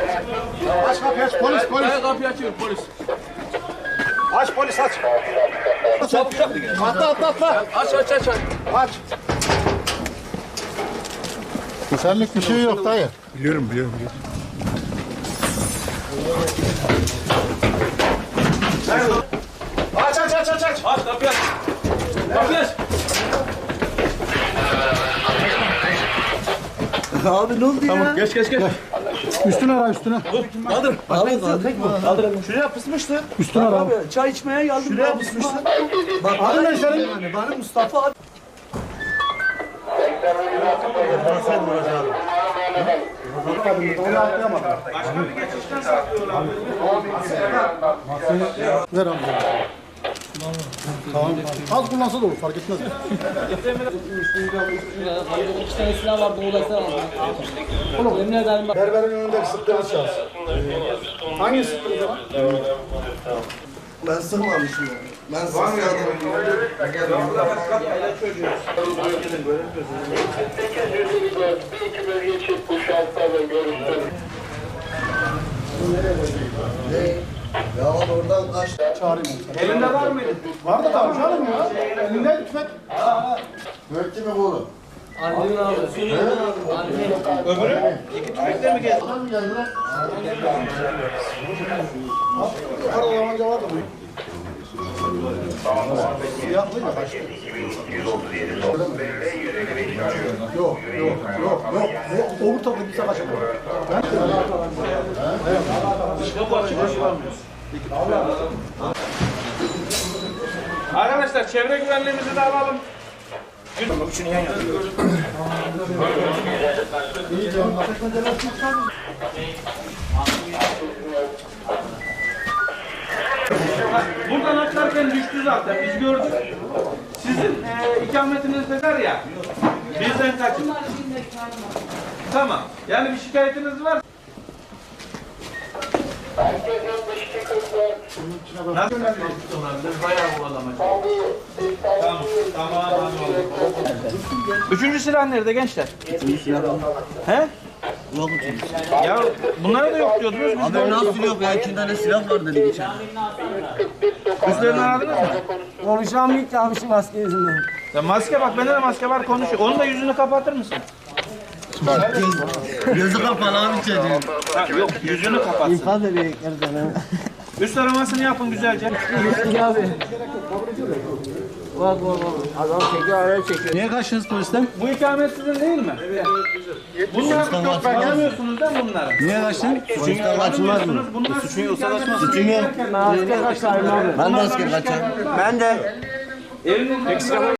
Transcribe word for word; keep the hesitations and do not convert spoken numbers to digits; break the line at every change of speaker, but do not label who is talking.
Aç kapıyı aç. Polis polis.
Hayır kapıyı açıyorum polis.
Aç polis aç.
Çabuk çabuk.
Atla atla atla.
Aç aç aç aç.
Aç. Senlik bir şey yok dayı.
Biliyorum biliyorum. biliyorum.
Aç aç aç aç aç.
Aç kapıyı aç. Kapıyı aç.
Abi ne oldu
Tamam
ya?
geç geç geç.
Üstüne ara üstüne.
Kaldır.
Abi kaldık mı?
Kaldır. Şuraya pısmıştı.
Üstüne ara.
Abi çay içmeye geldim. Şuraya pısmıştı. Bak
Adın ne senin?
yani bana Mustafa abi.
Ver amca. Tamam. Az kullansa da olur fark etmez.
İki tane silah vardı, o da silah vardı. Oğlum, yemin ederim bak.
Berberin önündeki sıktığınız şahıs. Hangi sıktığınız var?
Ben sığmamışım ya. Ben sığmadım. Ya oradan kaç.
Çağırayım onu. Elinde var mıydı? Var da tamam canım ya. Elinde tüfek.
Dört kimi buldun?
Annemin abi.
Öbürü? İki tüfekle mi geldi?
Adam mı geldi lan?
Arada yamanca vardı bu. Siyahlıyla başka. Yok yok yok yok. O öbür tarafta bir savaş yapıyor. Ben
Arkadaşlar çevre güvenliğimizi de alalım. Buradan atlarken düştü zaten biz gördük. Sizin e, ikametiniz de var ya. Bizden kaçın. Tamam. Yani bir şikayetiniz var. Nasıl olabilir? Bayağı kovalamacı. Tamam. Tamam. Tamam. Üçüncü silah nerede gençler? Üçüncü silah. He?
Yok
Ya bunlara da yok diyordunuz. Biz de
abi nasıl yok ya? İki tane silah var dedi geçen.
üstlerini aradınız mı?
Konuşamayız ki abi şu maske yüzünden.
Ya maske bak bende de maske var konuşuyor. Onun da yüzünü kapatır mısın?
Gözü kapalı abi çocuğun.
Ha, yok yüzünü kapatsın.
İfade edecekler sana.
Üst aramasını yapın güzelce.
Gittik abi. Bak bak bak. Adam çekiyor, araya çekiyor.
niye kaçtınız polisten?
Bu ikamet sizin değil mi? Evet. Bunlar çok beklemiyorsunuz değil mi bunları?
Niye kaçtın?
Çünkü tanımıyorsunuz. Bunlar suçun yoksa kaçmaz.
Suçun yok.
Ben asker kaçarım abi.
Ben de asker kaçarım.
Ben de.
Elinin